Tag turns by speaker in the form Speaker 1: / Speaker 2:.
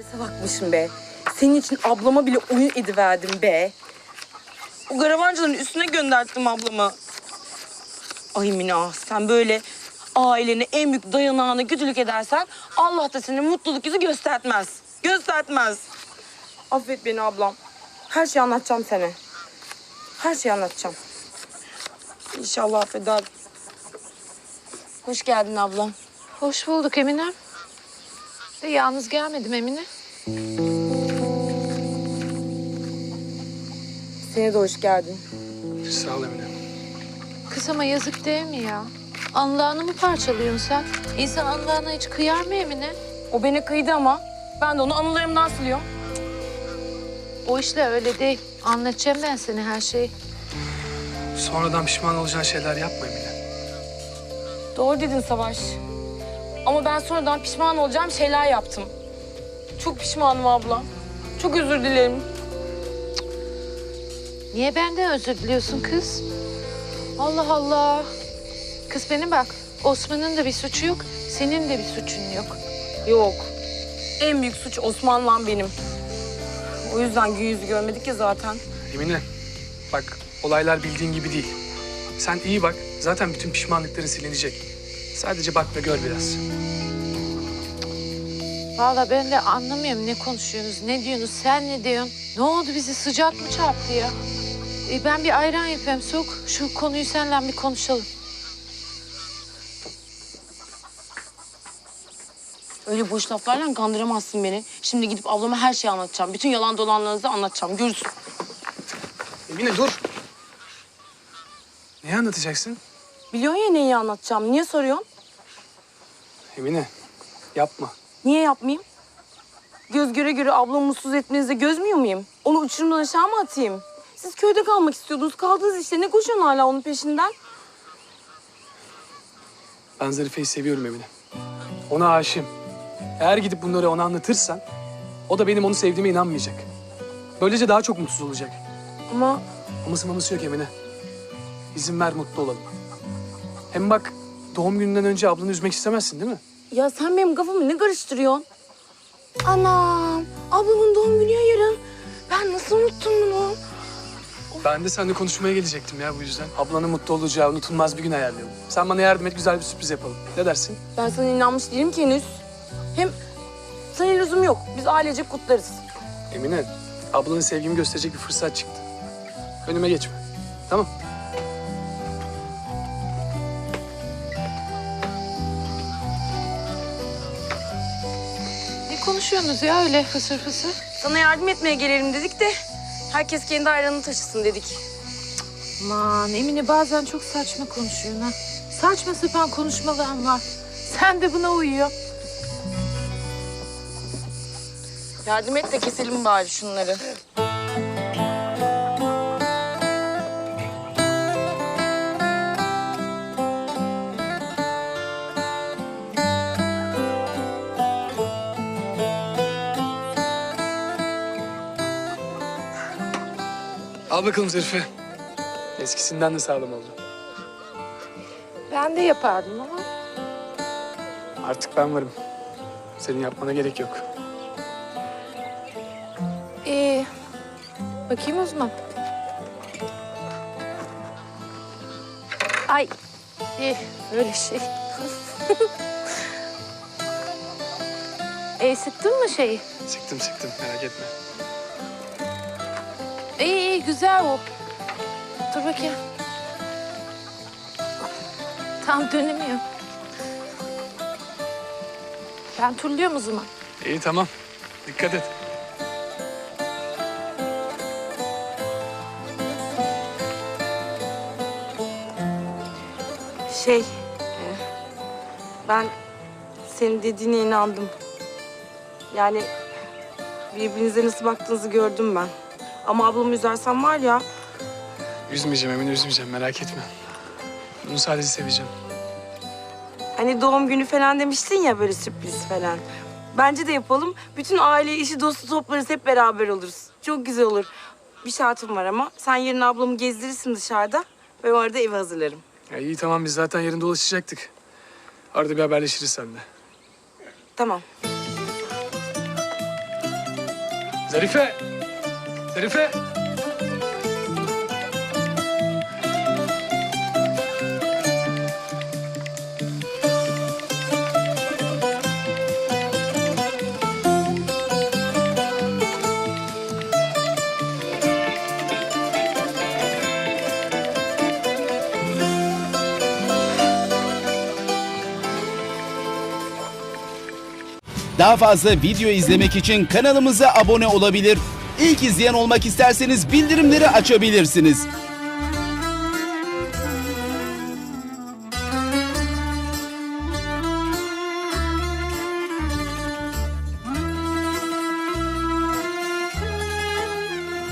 Speaker 1: Ne salakmışım be. Senin için ablama bile oyun ediverdim be. O garavancıların üstüne gönderttim ablamı. Ay Mina, sen böyle ailene en büyük dayanağına kötülük edersen Allah da senin mutluluk yüzü göstermez. Göstermez. Affet beni ablam. Her şeyi anlatacağım sana. Her şeyi anlatacağım. İnşallah affeder. Hoş geldin ablam.
Speaker 2: Hoş bulduk Emine. De yalnız gelmedim Emine.
Speaker 1: Sana da hoş geldin.
Speaker 3: Sağ ol Emine.
Speaker 2: Kız ama yazık değil mi ya? Anlağını mı parçalıyorsun sen? İnsan anlağına hiç kıyar mı Emine?
Speaker 1: O beni kıydı ama ben de onu anılarımdan siliyorum.
Speaker 2: O işler öyle değil. Anlatacağım ben sana her şeyi.
Speaker 3: Sonradan pişman olacağın şeyler yapma Emine.
Speaker 1: Doğru dedin Savaş. Ama ben sonradan pişman olacağım şeyler yaptım. Çok pişmanım abla. Çok özür dilerim.
Speaker 2: Niye benden özür diliyorsun kız? Allah Allah. Kız benim bak. Osman'ın da bir suçu yok. Senin de bir suçun yok.
Speaker 1: Yok. En büyük suç Osman'la benim. O yüzden gün yüzü görmedik ya zaten.
Speaker 3: Emine, bak olaylar bildiğin gibi değil. Sen iyi bak, zaten bütün pişmanlıkların silinecek. Sadece bak ve gör biraz.
Speaker 2: Vallahi ben de anlamıyorum ne konuşuyorsunuz, ne diyorsunuz, sen ne diyorsun? Ne oldu bizi sıcak mı çarptı ya? Ben bir ayran yapayım sok. Şu konuyu seninle bir konuşalım.
Speaker 1: Öyle boş laflarla kandıramazsın beni. Şimdi gidip ablama her şeyi anlatacağım. Bütün yalan dolanlarınızı anlatacağım. Görürsün.
Speaker 3: Emine dur. Neyi anlatacaksın?
Speaker 1: Biliyorsun ya neyi anlatacağım. Niye soruyorsun?
Speaker 3: Emine, yapma.
Speaker 1: Niye yapmayayım? Göz göre göre ablamı mutsuz etmenize gözmüyor muyum? Onu uçurumdan aşağı mı atayım? Siz köyde kalmak istiyordunuz. Kaldınız işte. Ne koşuyorsun hala onun peşinden?
Speaker 3: Ben Zarife'yi seviyorum Emine. Ona aşığım. Eğer gidip bunları ona anlatırsan, o da benim onu sevdiğime inanmayacak. Böylece daha çok mutsuz olacak.
Speaker 1: Ama
Speaker 3: Aması yok Emine. İzin ver mutlu olalım. Hem bak doğum gününden önce ablanı üzmek istemezsin değil mi?
Speaker 1: ya sen benim kafamı ne karıştırıyorsun? Anam, ablamın doğum günü ya yarın. Ben nasıl unuttum bunu?
Speaker 3: Ben de seninle konuşmaya gelecektim ya bu yüzden. Ablanın mutlu olacağı unutulmaz bir gün ayarlayalım. Sen bana yardım et, güzel bir sürpriz yapalım. Ne dersin?
Speaker 1: Ben sana inanmış değilim ki henüz. Hem sana lüzum yok. Biz ailecek kutlarız.
Speaker 3: Emine, ablanın sevgimi gösterecek bir fırsat çıktı. Önüme geçme. Tamam.
Speaker 2: Ne konuşuyorsunuz ya öyle fısır fısır?
Speaker 1: Sana yardım etmeye gelelim dedik de herkes kendi ayranını taşısın dedik.
Speaker 2: Aman Emine bazen çok saçma konuşuyorsun ha. Saçma sapan konuşmaların var. Sen de buna uyuyor.
Speaker 1: Yardım et de keselim bari şunları.
Speaker 3: Al bakalım Zarife. Eskisinden de sağlam oldu.
Speaker 2: Ben de yapardım ama.
Speaker 3: Artık ben varım. Senin yapmana gerek yok.
Speaker 2: Bakayım o zaman. Ay. Öyle şey. Sıktın mı şeyi?
Speaker 3: Sıktım merak etme.
Speaker 2: İyi güzel o. Dur bakayım. Tam dönemiyor. Ben turluyorum o zaman.
Speaker 3: İyi tamam. Dikkat et.
Speaker 1: Ben senin dediğine inandım. Yani birbirinize nasıl baktığınızı gördüm ben. Ama ablamı üzersem var ya,
Speaker 3: Üzmeyeceğim Emine, üzmeyeceğim. Merak etme. Bunu sadece seveceğim.
Speaker 1: hani doğum günü falan demiştin ya böyle sürpriz falan. Bence de yapalım. Bütün aile, işi, dostu toplarız, hep beraber oluruz. Çok güzel olur. Bir şartım var ama. Sen yarın ablamı gezdirirsin dışarıda. Ben orada evi hazırlarım.
Speaker 3: Ya iyi tamam, biz zaten yarın dolaşacaktık. Arada bir haberleşiriz seninle.
Speaker 1: Tamam.
Speaker 3: Zarife! Zarife!
Speaker 4: Daha fazla video izlemek için kanalımıza abone olabilir. İlk izleyen olmak isterseniz bildirimleri açabilirsiniz.